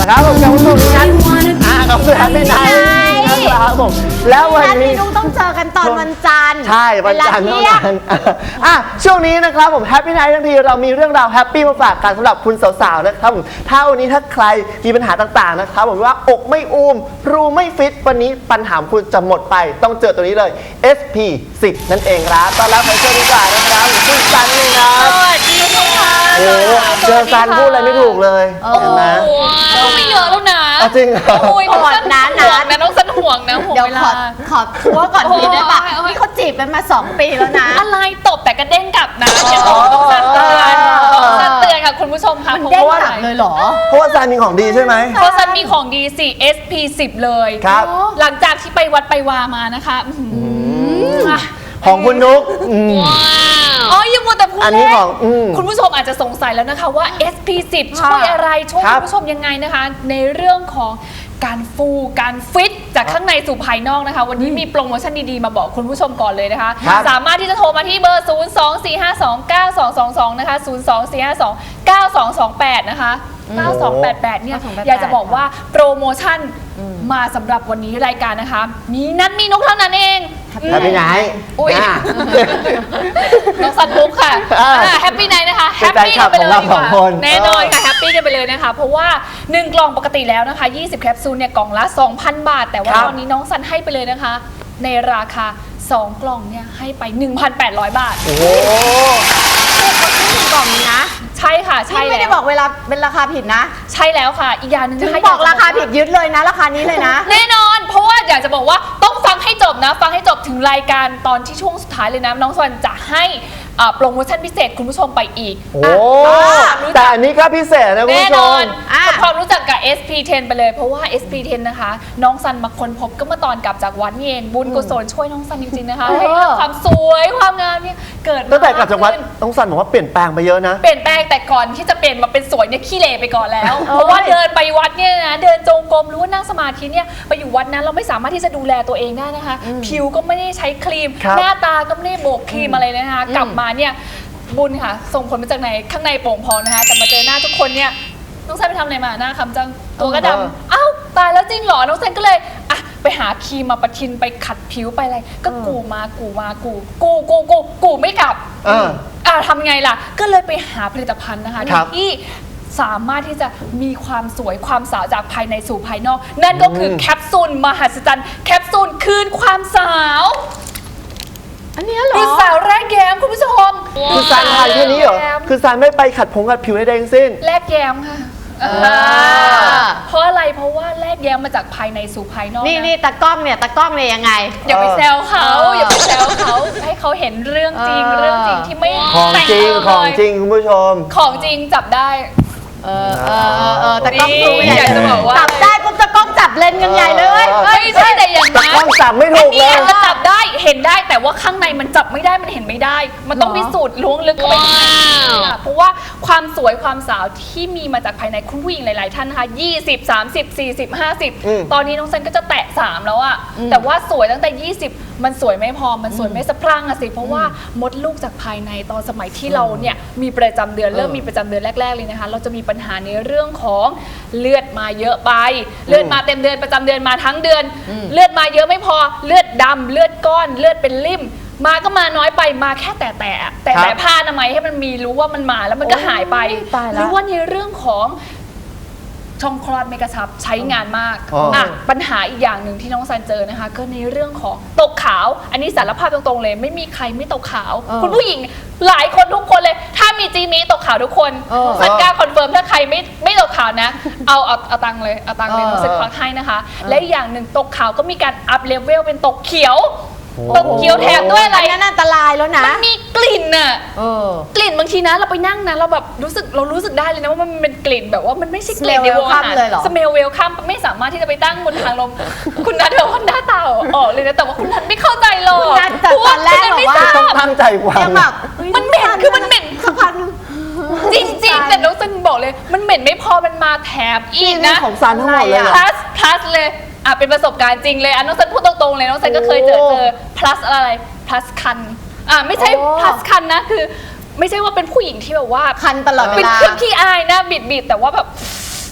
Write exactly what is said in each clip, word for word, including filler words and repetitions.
ครับผมกับผู้ชมทุกท่านอ่ากับแฮปปี้ไนท์นะครับผมแล้ววันนี้ลูกต้องเจอกันตอนวันจันทร์ใช่วันจันทร์เท่านั้นอ่ะช่วงนี้นะครับผมแฮปปี้ไนท์ทั้งทีเรามีเรื่องราวแฮปปี้มาฝากกันสำหรับคุณสาวๆนะครับผมถ้าวันนี้ถ้าใครมีปัญหาต่างๆนะครับผมว่าอกไม่อุ้มรูไม่ฟิตวันนี้ปัญหาคุณจะหมดไปต้องเจอตัวนี้เลย เอส พี สิบ นั่นเองครับตอนรับใครเจอดีกว่านะครับคุณซันเลยนะสวัสดีค่ะโอ้เจอซันพูดอะไรไม่ถูกเลยเห็นไหมก็ไม่เยอะแล้วนะจริงเหรอโอ้ยน้องสันห่วงนะน้องสันห่วงนะห่วงเดี๋ยวเวลาขอขอทัวร์ก่อนทีได้ปะนี่เขาจีบกันมาสองปีแล้วนะอะไรตบแต่กระเด้งกลับนะอย่าบอกน้องสันเตือนน้องสันเตือนค่ะคุณผู้ชมค่ะเด้งกลับเลยเหรอเพราะว่าซันมีของดีใช่ไหมเพราะซันมีของดีสิ เอส พี สิบ เลยครับหลังจากที่ไปวัดไปวามานะคะของคุณนุ๊กอ๋อยังมัวแต่พูดอันนี้ของคุณผู้ชมอาจจะสงสัยแล้วนะคะว่า เอส พี สิบ ช่วยอะไรช่วยคุณผู้ชมยังไงนะคะในเรื่องของการฟูการฟิตจากข้างในสู่ภายนอกนะคะวันนี้มีโปรโมชั่นดีๆมาบอกคุณผู้ชมก่อนเลยนะคะสามารถที่จะโทรมาที่เบอร์ ศูนย์ สอง สี่ ห้า สอง เก้า สอง สอง สอง นะคะ ศูนย์ สอง สี่ ห้า สอง เก้า สอง สอง แปด นะคะเก้า สอง แปด แปด เนี่ยอยากจะบอกว่าโปรโมชั่นมาสำหรับวันนี้รายการนะคะมีนัดมีนกเท่านั้นเองแฮปปี้ไนท์อุ้ยน้องสันปุ๊กค่ะแฮปปี้ไนท์นะคะแฮปปี้กันไปเลยดีกว่าแน่นอนค่ะแฮปปี้กันไปเลยนะคะเพราะว่าหนึ่งกล่องปกติแล้วนะคะยี่สิบแคปซูลเนี่ยกล่องละ สองพัน บาทแต่ว่าตอนนี้น้องสันให้ไปเลยนะคะในราคาสองกล่องเนี่ยให้ไป หนึ่งพันแปดร้อย บาทโอ้โหกล่องนี้นะใช่ค่ะใช่ไม่ได้บอกเวลาเป็นราคาผิดนะใช่แล้วค่ะอีกอย่างหนึ่งถึงบอกราคาผิดยึดเลยนะราคานี้เลยนะแน่นอนเพราะว่าอยากจะบอกว่าต้องฟังให้จบนะฟังให้จบถึงรายการตอนที่ช่วงสุดท้ายเลยนะน้องสันจะให้โปรโมชั่นพิเศษคุณผู้ชมไปอีกโอ้แต่อันนี้ก็พิเศษนะคุณผู้ชมทำความรู้จักกับ เอส พี สิบ ไปเลยเพราะว่า เอส พี สิบ นะคะน้องซันมาค้นพบก็เมื่อตอนกลับจากวัดนี่เองบุญกุศลช่วยน้องซันจริงๆนะคะให้ความสวยความงามเนี่ยเกิดตั้งแต่กลับจากวัดน้องซันบอกว่าเปลี่ยนแปลงไปเยอะนะเปลี่ยนแปลงแต่ก่อนที่จะเปลี่ยนมาเป็นสวยเนี่ยขี้เหร่ไปก่อนแล้วเพราะว่าเดินไปวัดเนี่ยนะเดินจงกรมหรือว่านั่งสมาธิเนี่ยไปอยู่วัดนั้นเราไม่สามารถที่จะดูแลตัวเองได้นะคะผิวก็ไม่ได้ใช้ครีมหน้าตาก็ไม่ได้โบกครีมอะไรเลยนะคะกลับมาเนี่ยบุญค่ะส่งผลมาจากไหนข้างในโป่งพองนะคะแต่มาเจอหน้าทุกคนเนี่ยน้องเซนไปทำอะไรมาหน้าคำจังตัวก็ดำอ้าวตายแล้วจริงเหรอน้องเซนก็เลยอ่ะไปหาครีมมาประทินไปขัดผิวไปอะไรก็กูมากูมากูกูกูกูกูไม่กลับอ่าทำไงล่ะก็เลยไปหาผลิตภัณฑ์นะคะที่สามารถที่จะมีความสวยความสาวจากภายในสู่ภายนอกนั่นก็คือแคปซูลมหัศจรรย์แคปซูลคืนความสาวอันนี้เหรอคือสาวแรกแย้มคุณผู้ชมคือซันทานแค่นี้เหรอคือซันไม่ไปขัดผงขัดผิวใดทั้งสิ้นแรกแย้มค่ะเพราะอะไรเพราะว่าแรกแย้มมาจากภายในสู่ภายนอกนี่นี่ตากล้องเนี่ยตากล้องเนี่ยยังไงอย่าไปแซวเขาอย่าไปแซวเขาให้เขาเห็นเรื่องจริงเรื่องจริงที่ไม่ของจริงของจริงคุณผู้ชมของจริงจับได้เออเออเออแต่กล้องดูอยากจะบอกว่าจับได้ปุ๊บจะกล้องจับเลนยังไงเลยไม่ใช่แต่อย่างนั้นกล้องจับไม่ถูกเลยมันจับได้เห็นได้แต่ว่าข้างในมันจับไม่ได้มันเห็นไม่ได้มันต้องพิสูจน์ล้วงลึกเข้าไปเพราะว่าความสวยความสาวที่มีมาจากภายในคุณผู้หญิงหลายๆท่านนะคะยี่สิบ สามสิบ สี่สิบ ห้าสิบตอนนี้น้องเซนก็จะแตะสามแล้วอะแต่ว่าสวยตั้งแต่ยี่สิบมันสวยไม่พอมันสวยไม่สะพรั่งอะสิเพราะว่ามดลูกจากภายในตอนสมัยที่เราเนี่ยมีประจำเดือนเริ่มมีประจำเดือนแรกๆเลยนะคะเราจะมีปัญหาในเรื่องของเลือดมาเยอะไปเลือดมาเต็มเดือนประจำเดือนมาทั้งเดือนเลือดมาเยอะไม่พอเลือดดำเลือดก้อนเลือดเป็นริ่มมาก็มาน้อยไปมาแค่แต่แต่แต่แต่ผ้าอนามัยให้มันมีรู้ว่ามันมาแล้วมันก็หายไปหรือว่าในเรื่องของช่องคลอดไม่กระชับใช้งานมากอ่ะปัญหาอีกอย่างหนึ่งที่น้องซันเจอนะคะก็ในเรื่องของตกขาวอันนี้สารภาพตรงๆเลยไม่มีใครไม่ตกขาวคุณผู้หญิงหลายคนทุกคนเลยถ้ามีจีมีตกขาวทุกคนซันกล้าคอนเฟิร์มถ้าใครไม่ไม่ตกขาวนะเอาเอาเอาตังเลยเอาตังเลยน้องซันควักให้นะคะและอีกอย่างหนึ่งตกขาวก็มีการอัพเลเวลเป็นตกเขียวตกเขียวแถมด้วยอะไรนั่นอันตรายแล้วนะมันมีกลิ่นอะกลิ่นบางทีนะเราไปนั่งนะเราแบบรู้สึกเรารู้สึกได้เลยนะว่ามันเป็นกลิ่นแบบว่ามันไม่ใช่กลิ่นในวงอาหารสเมลเวลคัมไม่สามารถที่จะไปตั้งบนทางลมคุณนัทเดี๋ยวคนหน้าตาออกเลยนะแต่ว่าคุณนัทไม่เข้าใจหรอกแต่ตอนแรกบอกว่าต้องตั้งใจฟังมันเหม็นคือมันเหม็นสักพักจริงๆแต่น้องซันบอกเลยมันเหม็นไม่พอมันมาแถมอีกนะของซันทั้งหมดเลย plus plus เลยอ่ะเป็นประสบการณ์จริงเลยอ่ะน้องซันพูดตรงๆเลยน้องซันก็เคยเจอเจอ plus อะไร plus คันอ่ะไม่ใช่ plus คันนะคือไม่ใช่ว่าเป็นผู้หญิงที่แบบว่าคันตลอดเวลาเป็นเครื่องขี้อายนะบิดๆแต่ว่าแบบ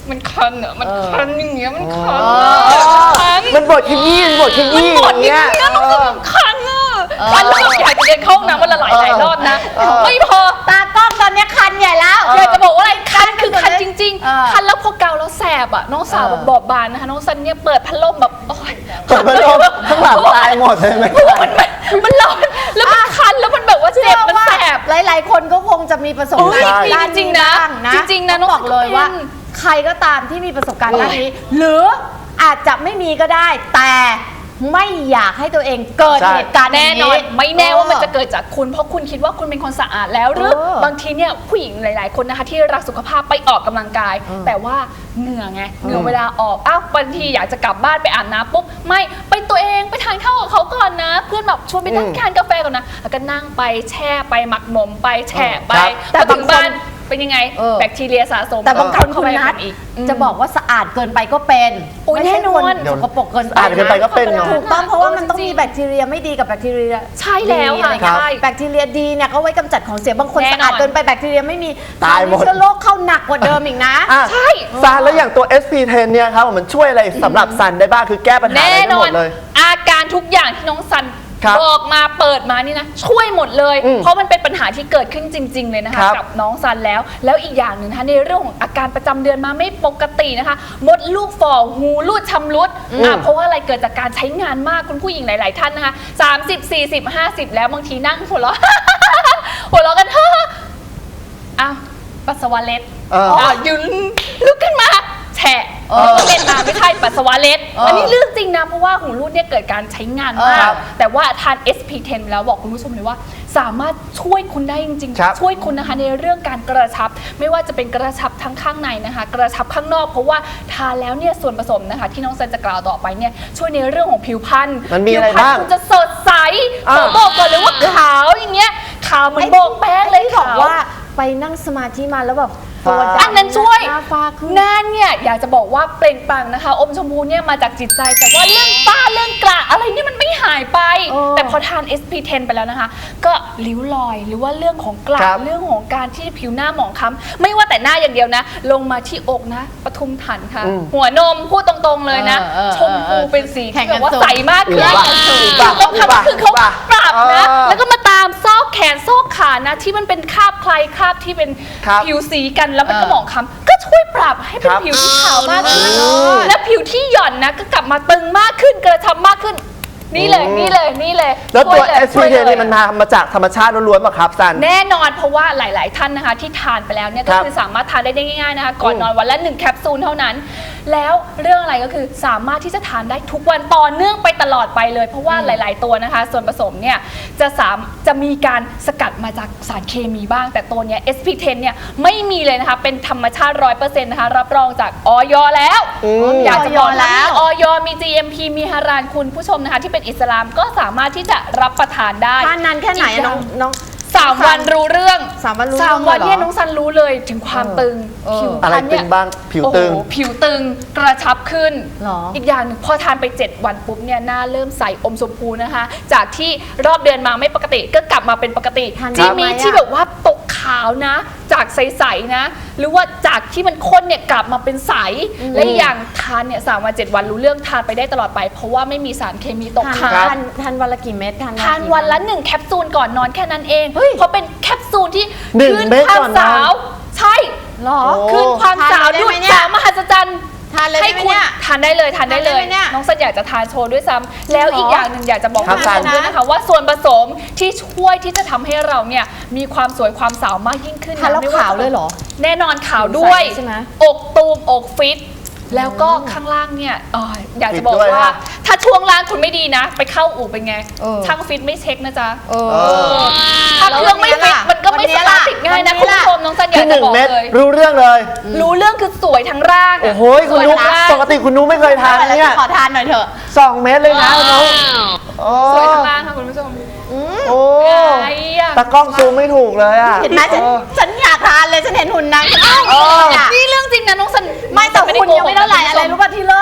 มันคันอ่ะมันคันอย่างเงี้ยมันคันเออะอคันมันบดขยี้มันบดขยี้หมอดย่างอย่างเงี้เงี้ยยน้องสมคันอ่ะคันแล้วแบบอยากจะเดินเข้าห้องน้ำวันละหลายหลายรอบนะเออไม่พอตากล้องตอนเนี้ยคันใหญ่แล้วอยากจะบอกว่าอะไรคันคือคันจริงเออๆ คันแล้วพอเกาแล้วแสบอ่ะน้องสาวแบบบอบบานนะคะน้องซันเนี่ยเปิดพัดลมแบบโอ๊ยเปิดพัดลมข้างหลังตายหมดเลยไหมมันมันมันร้อนแล้วมันคันแล้วมันแบบว่าเจ็บมันแสบหลายๆ คนก็คงจะมีประสบการณ์โอ้ยด้านจริงๆนะบ้างนะจริงๆนะต้องบอกเลยว่าน้องเป็นใครก็ตามที่มีประสบการณ์ด้านนี้ หรืออาจจะไม่มีก็ได้ แต่ไม่อยากให้ตัวเองเกิดใช่เหตุการณ์แน่นอนย่างไม่แน่ว่ามันจะเกิดจากคุณเพราะคุณคิดว่าคุณเป็นคนสะอาดแล้วหรือเออบางทีเนี่ยผู้หญิงหลาย ๆ คนนะคะที่รักสุขภาพไปออกกำลังกาย แต่ว่าเหงื่อไงเหงื่อเวลาออกอ้าวบางทีอยากจะกลับบ้านไปอาบน้ำปุ๊บไม่ไปตัวเองไปทานข้าวกับเขาก่อนนะ เพื่อนแบบชวนไปนั่งอืมทานกาแฟก่อนนะแล้วก็นั่งไปแช่ไปหมักหมมไปแฉะไปครับแต่ถึงบ้านเป็นยังไงเออแบคทีเรียสะสมแต่บางคนเข้าคุณไปนัทอีกจะบอกว่าสะอาดเกินไปก็เป็นโอ้ยไม่ใช่แน่นคอนนสกปรกเกินไปสะอาดเกินไปก็เป็นเนอะถูกต้องเพราะว่ามันต้องจริงๆมีแบคทีเรียไม่ดีกับแบคทีเรียใช่แล้วค่ะดีอไรเงี้ยใช่แบคทีเรียดีเนี่ยก็ไว้กำจัดของเสียบางคนแน่นอนสะอาดเกินไปแบคทีเรียไม่มีตายหมดเชื้อโรคเข้าหนักกว่าเดิมอีกนะอ่ะใช่ซันแล้วอย่างตัว เอส พี สิบ เนี่ยครับมันช่วยอะไรสำหรับซันได้บ้างคือแก้ปัญหาแน่อะไรนได้อหมนดเลยอาการทุกอย่างที่น้องซันครับบอกมาเปิดมานี่นะช่วยหมดเลยอืมเพราะมันเป็นปัญหาที่เกิดขึ้นจริง ๆ เลยนะคะครับกับน้องซันแล้ว แล้วอีกอย่างหนึ่งนะคะในเรื่องของอาการประจำเดือนมาไม่ปกตินะคะมดลูกฝ่อหูรูดชำรุดอ่ะเพราะว่าอะไรเกิดจากการใช้งานมากคุณผู้หญิงหลาย ๆ ท่านนะคะสามสิบ สี่สิบ ห้าสิบแล้วบางทีนั่งหัวเราะ หัวเราะกัน อ้าวปัสสาวะเล็ดเอออ่ะยืนลุกขึ้นมาแฉะเออเล็ดมาไม่ใช่ปัสสาวะเล็ดเอออัอันนี้เรื่องจริงนะเพราะว่าหูรูดเนี่ยเกิดการใช้งานมาครักบแต่ว่าทาน เอส พี สิบ แล้วบอกคุณผู้ชมเลยว่า สามารถช่วยคุณได้จริงครับๆ ช่วยคุณนะคะในเรื่องการกระชับ ไม่ว่าจะเป็นกระชับทั้งข้างในนะคะ กระชับข้างนอก เพราะว่าทานแล้วเนี่ยส่วนผสมนะคะ ที่น้องเซนจะกล่าวต่อไปเนี่ยช่วยในเรื่องของผิวพรรณมันมีอะไรผิวพรรณบ้างคุณจะสดใสอ่าขอบอกก่อนเลยว่าขาวอย่างเงี้ยขาวเหมือนโบกแป้งเลยที่บอกขาวว่าไปนั่งสมาธิมาแล้วแบบฟ้าตัวดำอันนั้นช่วยหน้าฟ้าขึ้นหน้าเนี่ยอยากจะบอกว่าเปล่งปลั่งนะคะ อมชมพูเนี่ยมาจากจิตใจ แต่ว่าเรื่องฝ้าเรื่องกระอะไรเนี่ยมันไม่หายไปเออแต่พอทาน เอส พี สิบ ไปแล้วนะคะ ก็ริ้วรอยหรือว่าเรื่องของกระครับเรื่องของการที่ผิวหน้าหมองคล้ำไม่ว่าแต่หน้าอย่างเดียวนะ ลงมาที่อกนะปทุมฐานค่ะอืมหัวนมพูดตรงๆเลยนะเออเออชมพูเป็นสีแข่ที่งแบกันบว่าสูงใสมากขึ้นอุบะถูกต้องค่ะอุบะก็คือเขาอุบะปรับนะเออแล้วก็มาตามซอกแขนซอกขานะที่มันเป็นคราบใครคราบที่เป็นครับผิวสีกันแล้วมันก็เออหมองคล้ำก็ช่วยปรับให้เป็นครับผิวที่ขาวมากขึ้นอ๋อและผิวที่หย่อนนะก็กลับมาตึงมากขึ้นกระชับมากขึ้น นี่เลยอืมนี่เลยนี่เลยแล้วตัวช่ยเอสช่พีวยสิบเลยนี่มันมาจากธรรมชาติล้วนๆป่ะครับซันแน่นอนเพราะว่าหลาย ๆ ท่านนะคะที่ทานไปแล้วเนี่ยคก็รับคือสามารถทานได้ง่าย ๆ นะคะ ก่อนอืมนอนวันละหนึ่งแคปซูลเท่านั้น แล้วเรื่องอะไรก็คือสามารถที่จะทานได้ทุกวันต่อเนื่องไปตลอดไปเลย เพราะว่าหลาย ๆ ตัวนะคะ ส่วนผสมเนี่ยจะสามจะมีการสกัดมาจากสารเคมีบ้าง แต่ตัวเนี้ย เอส พี สิบ เนี่ยไม่มีเลยนะคะเป็นธรรมชาติ ร้อยเปอร์เซ็นต์ นะคะรับรองจากออยแล้วอืมอยากจะบอกแล้แล้ว วออยมี จี เอ็ม พี มีฮารานคุณผู้ชมนะคะที่เป็นอิสลามก็สามารถที่จะรับประทานได้ทานนานแค่ไหนอะน้องน้องสามวันรู้เรื่องสามวันรู้สามเรื่องวันเลยเหรอเนี่ยน้องซันรู้เลยถึงความเออตึงเออผิวอะไรพรรณตึเนี่ยงบ้างผิวตึงโอ้โหผิวตึงกระชับขึ้นหรออีกอย่างหนึ่งพอทานไปเจ็ดวันปุ๊บเนี่ยหน้าเริ่มใสอมชมพูนะคะ จากที่รอบเดือนมาไม่ปกติก็กลับมาเป็นปกติทานที่ได้ไหมมีอะที่แบบว่าตกขาวนะ จากใสๆนะ หรือว่าจากที่มันข้นเนี่ยกลับมาเป็นใสและอีกอย่างทานเนี่ยสามวันเจ็ดวันรู้เรื่องทานไปได้ตลอดไป เพราะว่าไม่มีสารเคมีตกทานค้างทานทานวันละกี่เม็ดทานทานวันละหนึ่งแคปซูลก่อนนอนแค่นั้นเองเฮ้ยเพราะเป็นแคปซูลที่หนึ่งคืนเม็ดความก่อนนอนสาว ใช่หรอโอ้คืนความสาวทานได้ดูไหมดเนี่ยสาวมหัศจรรย์ทานเลยให้ได้ไหมคุณเนี่ยทานได้เลยทานได้เลยทานได้ไหมเนี่ยน้องสันอยากจะทานโชว์ด้วยซ้ำแล้วอีกอย่างหนึ่งอยากจะบอกครับคุณผู้ชมด้วยนะคะว่าส่วนผสมที่ช่วยที่จะทำให้เราเนี่ยมีความสวยความสาวมากยิ่งขึ้นทานแล้วไม่ขาวเลยเหรอแน่นอนขาวด้วยใช่ไหมอกตูมอกฟิต แล้วก็ข้างล่างเนี่ยเอ่ออยากจะบอกฟิตด้วยว่านะถ้าช่วงล่างคุณไม่ดีนะ ไปเข้าอู่เป็นไงเออช่างฟิตไม่เช็คนะจ๊ะเออเออถ้าเครื่องไม่ฟิตมันก็ไม่วันนี้สามารถล่ะติดง่ายนะวัคุนณนี้ผู้ล่ะชมน้องสันอยาคืกอหจะนึ่งบอกเม็ดเลยรู้เรื่องเลยรู้เรื่องคือสวยทั้งร่างะโอ้โหคุณสวยนุ๊ทั้งร่างปกติคุณนุ๊ไม่เคยทานเนี่ยขอทานหน่อยเถอะสองเม็ดเลยนะคุณนุ๊โอ้สวยทั้งร่างค่ะคุณผู้ชมโอ้ไอ้อะตากล้องซูมไม่ถูกเลยอ่ะเห็นไหมฉันเออฉันอยากทานเลยฉันเห็นหุ่นนางฉันเอออยากนี่เรื่องจริงนะน้องสันไม่แต่ด้คุณโกยังหกไม่เท่าไหร่นะอะไรคุณผู้ชมรู้ป่ะที่เลิศ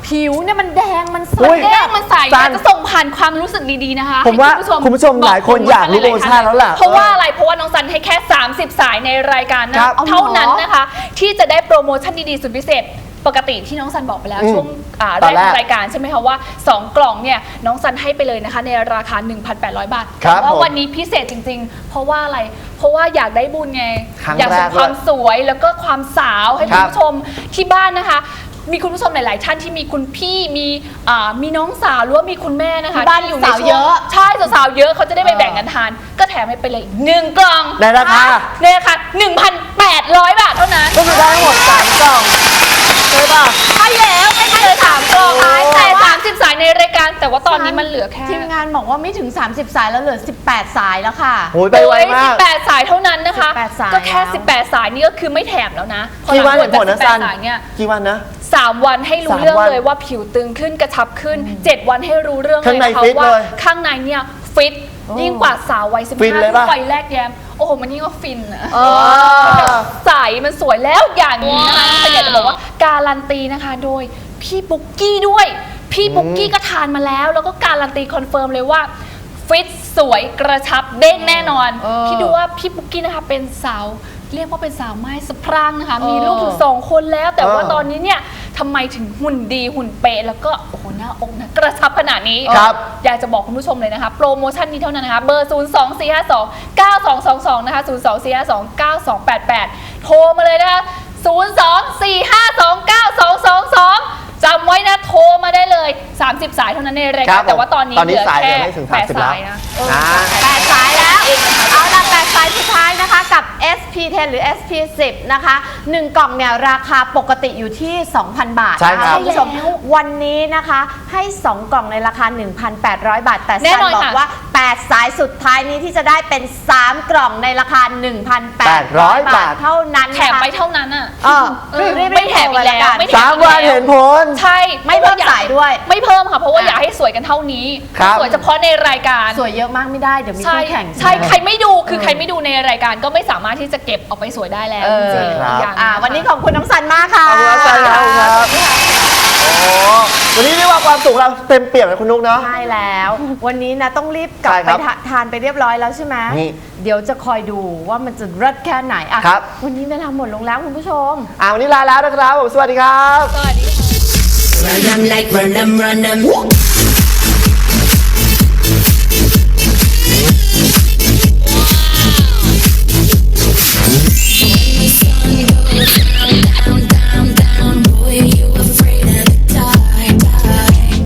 ผิวเนี่ยมันแดงมันใสอุ๊ยแดงมันใสจันจะส่งผ่านความรู้สึกดีๆนะคะผมว่าให้คุณผู้ชมหลายคนอยากรู้โปรโมชั่นแล้วล่ะเพราะว่าอะไรเพราะว่าน้องซันให้แค่ สามสิบ สายในรายการนะครับ เท่านั้นนะคะ ที่จะได้โปรโมชั่นดีๆสุดพิเศษปกติที่น้องซันบอกไปแล้วอืมช่วงอ่าตแรอนกแรกของรายการใช่ไหมคะว่า สอง กล่องเนี่ยน้องซันให้ไปเลยนะคะในราคา หนึ่งพันแปดร้อย บาทครับแต่ว่าผมวันนี้พิเศษจริงๆ เพราะว่าอะไรเพราะว่าอยากได้บุญไงครั้งอยากแรส่กงความสวยแล้วก็ความสาวให้คคุรัณบผู้ชมที่บ้านนะคะ มีคุณผู้ชมหลาย ๆ ท่านที่มีคุณพี่มีอ่ามีน้องสาวหรือว่ามีคุณแม่นะคะที่บ้านที่อยู่สาวในช่วงเยอะใช่สาวๆเยอะเขาจะได้ไปแบ่งกันทาน ก็แถมให้ไปเลยอีกหนึ่งกล่องในราคาในราคาหนึ่งพันแปดร้อย บาทเท่านั้นก็คือได้ทั้งหมดสามกล่องใช่ป่ะใช่แล้วไม่ได้เลยสามกล่องโอ้แต่สามสิบสายในรายการ แต่ว่าตอนนี้มันเหลือแค่ทีมงานบอกว่าไม่ถึง สามสิบ สายแล้วเหลือ สิบแปด สายแล้วค่ะโอ้ยไปไวมากสิบแปดสายเท่านั้นนะคะสิบแปดสายก็แค่แล้วสิบแปดสายนี่ก็คือไม่แถมแล้วนะกี่วันเห็นผลนะสิบแปซัดนสายเนี่ยกี่วันนะสามวันให้รู้สามเรื่องวันเลยว่าผิวตึงขึ้นกระชับขึ้นเจ็ดวันให้รู้เรื่องเลข้างยในนะคะฟิตว่าเลยข้างในเนี่ยฟิตยิ่งกว่าสาววัยสิบฟินห้าเลยที่ปะวัยแรกแย้มโอ้โหมันยิ่งกว่าฟินอะเออใสมันสวยแล้วอย่างนี้นะคะแต่อยากจะบอกว่าการันตีนะคะโดยพี่ปุ๊กกี้ด้วย พี่ปุ๊กกี้ก็ทานมาแล้ว แล้วก็การันตีคอนเฟิร์มเลยว่าฟิตสวยกระชับเด้งแน่นอนเออคิดดูว่าพี่ปุ๊กกี้นะคะเป็นสาวเรียกว่าเป็นสาวไม้สะพรั่งนะคะเออมีลูกถึงสองคนแล้วแต่ว่าเออตอนนี้เนี่ยทำไมถึงหุ่นดีหุ่นเป๊ะแล้วก็โอ้โหหน้าอกนะกระชับขนาดนี้ครับอยากจะบอกคุณผู้ชมเลยนะคะ โปรโมชั่นนี้เท่านั้นนะคะ เบอร์ ศูนย์ สอง สี่ ห้า สอง เก้า สอง สอง สอง นะคะ ศูนย์ สอง สี่ ห้า สอง เก้า สอง แปด แปด โทรมาเลยนะคะ ศูนย์ สอง สี่ ห้า สอง เก้า สอง สอง สองจำไว้นะโทรมาได้เลย สามสิบ สายเท่านั้นในรายครักาบรแต่ว่าตอนนี้ตอนนี้เหลือสายแค่เหลือไม่ถึงแปดสามสิบแล้วสายนะอ่าแปดสายแล้ว เอาละแปดสายสุดท้ายนะคะกับ เอส พี สิบ หรือ เอส พี สิบ นะคะหนึ่งกล่องเนี่ยราคาปกติอยู่ที่ สองพัน บาทใช่นะครัคะบคุณผู้ชมวันนี้นะคะให้ สอง กล่องในราคา หนึ่งพันแปดร้อย บาท แต่แน่ซันนอนบอกค่ะว่า แปด สายสุดท้ายนี้ที่จะได้เป็น สาม กล่องในราคา หนึ่งพันแปดร้อย บาทเท่านั้นแถมไปเท่านั้นอ่ะเออเออรีบๆไม่แถมอีกแล้วโทรไม่เลยแถสามวันเห็นผลใช่ไม่เพิ่มสายด้วยไม่เพิ่มค่ะเพราะว่าอ่ะอยากให้สวยกันเท่านี้ครับสวยเฉพาะในรายการสวยเยอะมากไม่ได้เดี๋ยวมีใช่คู่แข่งใช่ใครไม่ดูคือใครไม่ดูในรายการก็ไม่สามารถที่จะเก็บเอาไปสวยได้แล้วเออจริงๆครับอย่างอ่าวันนี้ขอบคุณน้องสันมากค่ะขอบคุณครับซันครับขอบคุณครับโอ้วันนี้เรียกว่าความสุขเราเต็มเปี่ยมเลยคุณนุ๊กเนาะใช่แล้ว วันนี้นะต้องรีบกลับใช่ไปครับทาทานไปเรียบร้อยแล้วใช่ไหมนี่เดี๋ยวจะคอยดูว่ามันจะเลิศแค่ไหนอ่ะครับวันนี้เวลาหมดลงแล้วคุณผู้ชมอ่าวันนี้ลาแล้วนะครับผมสวัสดีครับสวัสดีค่ะ Run 'em like run 'em, run 'em.